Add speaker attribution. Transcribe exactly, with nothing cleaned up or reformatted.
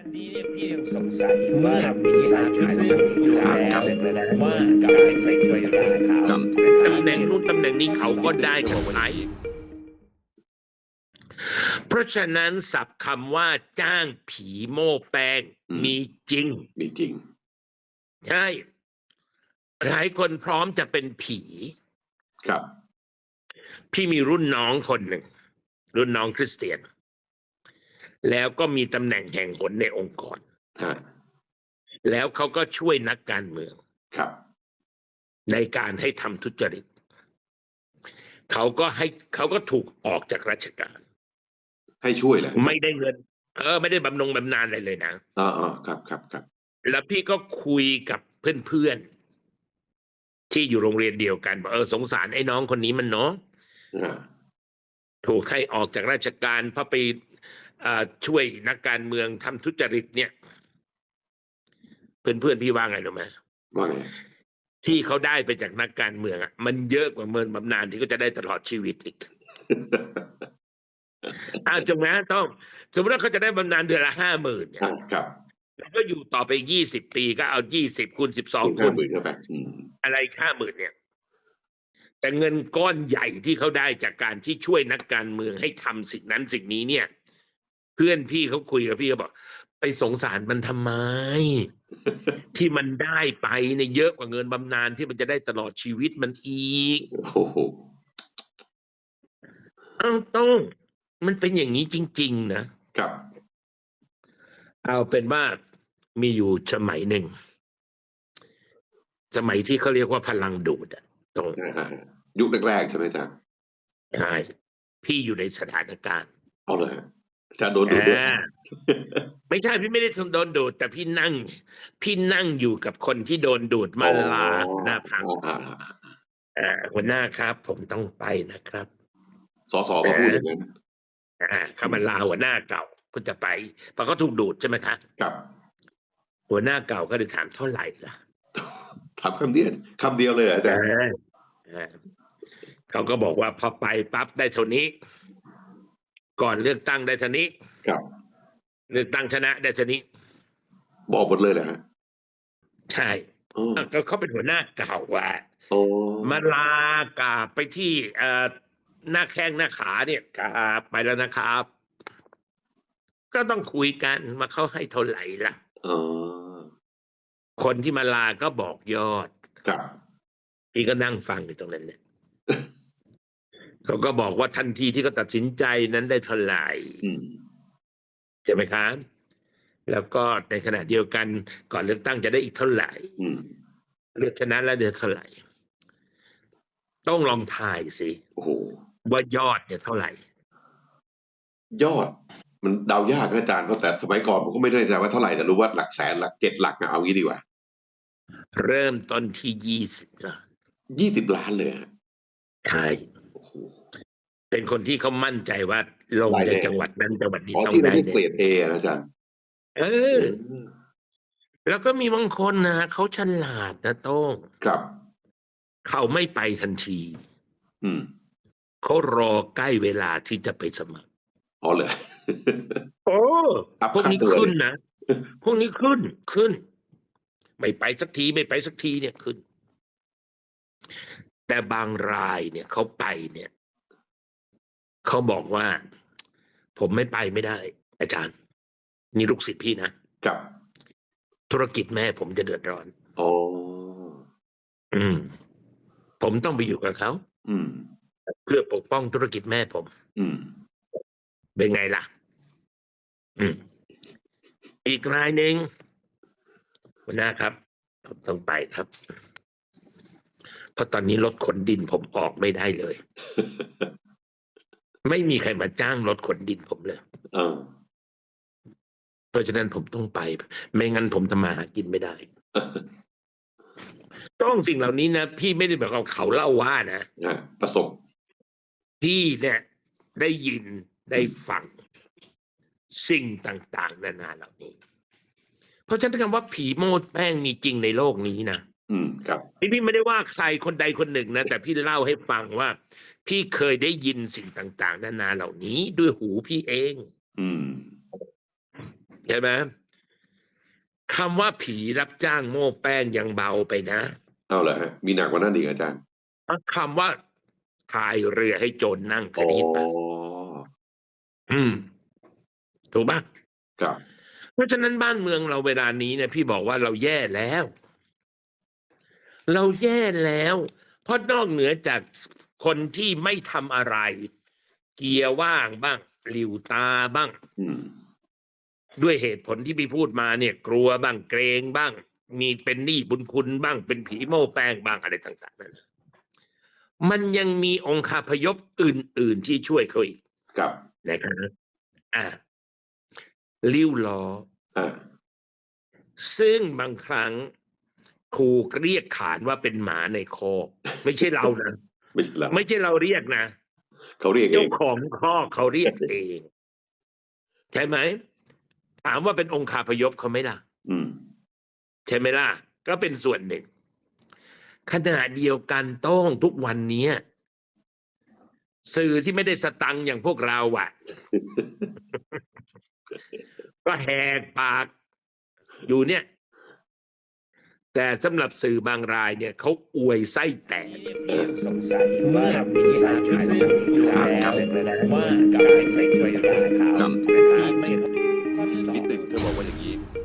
Speaker 1: อันนี้เนี่ยพี่ยังสงสัยอยู่ว่ามีสารซึ่งอยู่แล้วว่าการใส่ช่วยได้ครับ
Speaker 2: ตำแหน่งนู้นตำแหน่งนี้เขาก็ได้กันไปเพราะฉะนั้นศัพท์คำว่าจ้างผีโม่แป้งมีจริง
Speaker 3: มีจริง
Speaker 2: ใช่หลายคนพร้อมจะเป็นผี
Speaker 3: ครับ
Speaker 2: พี่มีรุ่นน้องคนหนึ่ง รุ่นน้องคริสเตียน แล้วก็มีตำแหน่งแห่งหนในองค์กร
Speaker 3: ฮะ
Speaker 2: แล้วเขาก็ช่วยนักการเมือง
Speaker 3: ครับ
Speaker 2: ในการให้ทำทุจริตเขาก็ให้เขาก็ถูกออกจากราชการ
Speaker 3: ให้ช่วยแหละ
Speaker 2: ไม่ได้เงิน เออ ไม่ได้บำนงบำนาญอะไรเลยนะ
Speaker 3: อ๋ออ๋อครับครับครับ
Speaker 2: แล้วพี่ก็คุยกับเพื่อนๆที่อยู่โรงเรียนเดียวกันบอกเออสงสารไอ้น้องคนนี้มันเนาะ
Speaker 3: อ่า
Speaker 2: ถูกให้ออกจากราชการเพราะไปช่วยนักการเมืองทำทุจริตเนี่ย เพื่อนๆพี่ว่าไงรู้ไหม
Speaker 3: ว่าไง
Speaker 2: ที่เขาได้ไปจากนักการเมืองอ่ะมันเยอะกว่าเงินบำนาญที่เขาจะได้ตลอดชีวิตอีก อ้าวจงนะต้องสมมติว่าเขาจะได้บำนาญเดือนละห้าหมื่นเนี่ย
Speaker 3: ครับ
Speaker 2: แล้วก็อยู่ต่อไปยี่สิบปีก็เอายี่สิบคูณสิบสอง
Speaker 3: คู
Speaker 2: คู
Speaker 3: ณ
Speaker 2: ณ
Speaker 3: หมื่นเข้าไปอืม
Speaker 2: อะไรห้าหมื่นเนี่ย แต่เงินก้อนใหญ่ที่เขาได้จากการที่ช่วยนักการเมืองให้ทำสิ่งนั้นสิ่งนี้เนี่ย เพื่อนพี่เขาคุยกับพี่เขาบอกไปสงสารมันทำไม ที่มันได้ไปเนี่ยเยอะกว่าเงินบำนาญที่มันจะได้ตลอดชีวิตมันอีก
Speaker 3: โอ้โห
Speaker 2: เอ้าต้องมันเป็นอย่างนี้จริงๆนะครับ เอาเป็นว่ามีอยู่สมัยหนึ่ง สมัยที่เขาเรียกว่าพลังดูดอะตรง
Speaker 3: อ่ายุคแรกๆใช่ไหมอาจารย์
Speaker 2: ใช่พี่อยู่ในสถานการณ์
Speaker 3: เอาเลยอาจารย์โดนดูดด้วย
Speaker 2: อ่าไม่ใช่พี่ไม่ได้โดนดูดแต่พี่นั่ง พี่นั่งอยู่กับคนที่โดนดูดมาลาหน้าพัก
Speaker 3: อ่า
Speaker 2: อ่าหัวหน้าครับ ผมต้องไปนะครับ
Speaker 3: สสมาพูดอย่างนั้น
Speaker 2: อ่าเขามาลาหัวหน้าเก่าก็จะไปเพราะเขาถูกดูดใช่ไหมคะ
Speaker 3: ครับ
Speaker 2: หัวหน้าเก่าก็เลยถามเท่าไหร่ล่ะ
Speaker 3: ถามคำเดียวคำเดียวเลยเหรออาจารย์
Speaker 2: อ่าอ่าเขาก็บอกว่าพอไปปั๊บได้เท่านี้ ก่อนเลือกตั้งได้เท่านี้
Speaker 3: ครับ
Speaker 2: เลือกตั้งชนะได้เท่านี้
Speaker 3: บอกหมดเลยเหรอฮะ
Speaker 2: ใช่
Speaker 3: โอ้
Speaker 2: ก็เขาเป็นหัวหน้าเก่าว่ะ
Speaker 3: โอ้
Speaker 2: มาลากราบไปที่เอ่อหน้าแข้งหน้าขาเนี่ยกราบไปแล้วนะครับ ก็ต้องคุยกันมาเขาให้เท่าไหร่ล่ะ
Speaker 3: อ๋อ
Speaker 2: คนที่มาลาก็บอกยอด
Speaker 3: ครับ
Speaker 2: พี่ก็นั่งฟังอยู่ตรงนั้นเนี่ย เขาก็บอกว่าทันทีที่เขาตัดสินใจนั้นได้เท่าไหร่
Speaker 3: อืม
Speaker 2: ใช่ไหมครับ แล้วก็ในขณะเดียวกันก่อนเลือกตั้งจะได้อีกเท่าไหร่
Speaker 3: อืม
Speaker 2: เลือกชนะแล้วเดือนเท่าไหร่ ต้องลองทายสิ
Speaker 3: โอ้โห
Speaker 2: ว่ายอดเนี่ยเท่าไหร่
Speaker 3: ยอด มันเดายากนะอาจารย์เพราะแต่สมัยก่อนผมก็ไม่แน่ใจว่าเท่าไหร่แต่รู้ว่าหลักแสนหลักเจ็ดหลักนะเอางี้ดีกว่า
Speaker 2: เริ่มต้นที่ยี่สิบล้าน
Speaker 3: ยี่สิบล้านเลยฮะ
Speaker 2: ใช่
Speaker 3: โอ้โห
Speaker 2: เป็นคนที่เขามั่นใจว่าลง
Speaker 3: ได้
Speaker 2: ใน
Speaker 3: แน่
Speaker 2: จังหวัดนั้นจังหวัดนี้
Speaker 3: อ๋อ
Speaker 2: ต้อง
Speaker 3: ที่เรา
Speaker 2: ได้
Speaker 3: ได้
Speaker 2: เนี่
Speaker 3: เกร
Speaker 2: ย
Speaker 3: ดเอนะอาจารย์
Speaker 2: เออ แล้วก็มีบางคนนะเขาฉลาดนะโต้ง
Speaker 3: ครับ
Speaker 2: เขาไม่ไปทันที
Speaker 3: อืม
Speaker 2: เขารอใกล้เวลาที่จะไปสมัคร
Speaker 3: อ๋อเลย
Speaker 2: โอ้
Speaker 3: อัพ
Speaker 2: พวกนี้
Speaker 3: ค่าตัว
Speaker 2: ขึ้นนะ พวกนี้ขึ้นขึ้น ไม่ไปสักทีไม่ไปสักทีเนี่ยขึ้น แต่บางรายเนี่ยเขาไปเนี่ยเขาบอกว่า ผมไม่ไปไม่ได้ อาจารย์ นี่ลูกศิษย์พี่นะครับ ธุรกิจแม่ผมจะเดือดร้อน
Speaker 3: อ๋อ
Speaker 2: อืม ผมต้องไปอยู่กับเขา
Speaker 3: อืม
Speaker 2: เพื่อปกป้องธุรกิจแม่ผม
Speaker 3: อืม
Speaker 2: เป็นไงล่ะ อืม อีกรายหนึ่งหัวหน้าครับ ผมต้องไปครับ เพราะตอนนี้รถขนดินผมออกไม่ได้เลย ไม่มีใครมาจ้างรถขนดินผมเลย
Speaker 3: เออ
Speaker 2: เพราะฉะนั้นผมต้องไป ไม่งั้นผมทำมาหากินไม่ได้ ต้องสิ่งเหล่านี้นะพี่ไม่ได้แบบเอาเขาเล่าว่านะ
Speaker 3: อ่ะประสบ
Speaker 2: พี่เนี่ยได้ยินได้ฟังสิ่งต่างๆนานาเหล่านี้ เพราะฉะนั้นคำว่าผีโมดแป้งมีจริงในโลกนี้นะ
Speaker 3: อืม ครับ
Speaker 2: พี่พี่ไม่ได้ว่าใครคนใดคนหนึ่งนะแต่พี่เล่าให้ฟังว่า พี่เคยได้ยินสิ่งต่างๆนานาเหล่านี้ด้วยหูพี่เอง
Speaker 3: อืม
Speaker 2: ใช่ไหมคำว่าผีรับจ้างโม้แป้งยังเบาไปนะ
Speaker 3: เอาเหรอฮะมีหนักกว่านั้นอีกอาจารย์
Speaker 2: คำว่าพายเรือให้โจรนั่งเค
Speaker 3: อ๋
Speaker 2: ย
Speaker 3: อ
Speaker 2: ได้ยินปะอืม ถูกปะ
Speaker 3: ครับ
Speaker 2: เพราะฉะนั้นบ้านเมืองเราเวลานี้เนี่ยพี่บอกว่าเราแย่แล้ว เราแย่แล้ว เพราะนอกเหนือจากคนที่ไม่ทำอะไร เกียร์ว่างบ้างหลิวตาบ้าง
Speaker 3: อืม
Speaker 2: ด้วยเหตุผลที่พี่พูดมาเนี่ย กลัวบ้างเกรงบ้าง มีเป็นหนี้บุญคุณบ้าง เป็นผีโม้แป้งบ้างอะไรต่างๆนั่นมันยังมีองคาพยพอื่น ๆที่ช่วยเขาอีก
Speaker 3: ครับ
Speaker 2: นะครับอ่ะลิ้วล้อ
Speaker 3: อ่า
Speaker 2: ซึ่งบางครั้งครูเรียกขานว่าเป็นหมาในคอกไม่ใช่เรานะ
Speaker 3: ไม่ใช่แล้ว
Speaker 2: ไม่ใช่เราเรียกนะ
Speaker 3: เขาเรียกเอ
Speaker 2: เจ้าง ของคอกเขาเรียกเอง ใช่ไหมถามว่าเป็นองคาพยพเขาไหมล่ะ
Speaker 3: อืม
Speaker 2: ใช่ไหมล่ะ ก็เป็นส่วนหนึ่งขณะเดียวกันต้องทุกวันนี้สื่อที่ไม่ได้สตังค์อย่างพวกเราอ่ะ ก็แหกปากอยู่เนี่ย แต่สำหรับสื่อบางรายเนี่ยเขาอวยไส้แตก
Speaker 1: สงสัยว่ามีสารชุดซึ่งอยู่แล้วว่าการใส่ช่วยร้ายเขา
Speaker 3: ครับ
Speaker 1: นะครับไม่ข้อที่สอง
Speaker 3: นิดหนึ่งเธอบอกว่าอย่างนี้